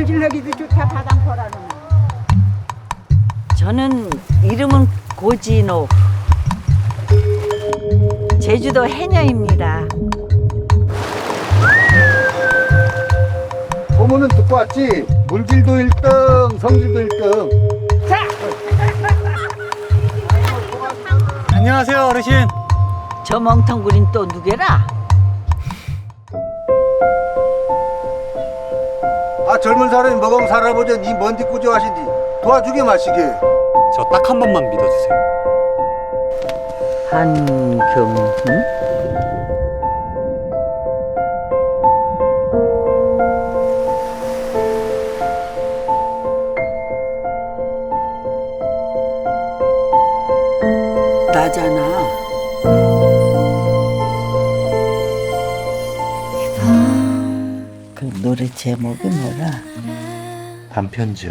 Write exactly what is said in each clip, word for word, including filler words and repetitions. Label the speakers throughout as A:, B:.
A: 모질러기도 좋다 바당포라는.
B: 저는 이름은 고진옥. 제주도 해녀입니다.
C: 소문은 듣고 왔지. 물질도 일 등, 성질도 일 등.
D: 안녕하세요, 어르신.
B: 저 멍텅구린 또 누구라?
C: 아 젊은 사람이 먹으면 살아보자. 니 뭔디 꾸져하시니 도와주게 마시게.
D: 저 딱 한 번만 믿어주세요.
B: 한경훈? 나잖아. 그 노래 제목이 뭐라?
D: 반편지요.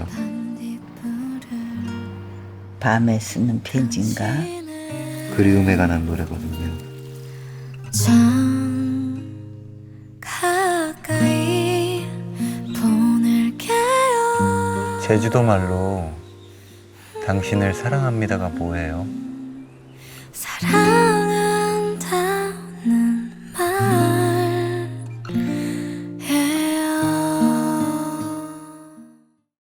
B: 밤에 쓰는 편지인가?
D: 그리움에 관한 노래거든요.
E: 참 가까이 보낼게요.
D: 제주도 말로 당신을 사랑합니다가 뭐예요?
E: 사랑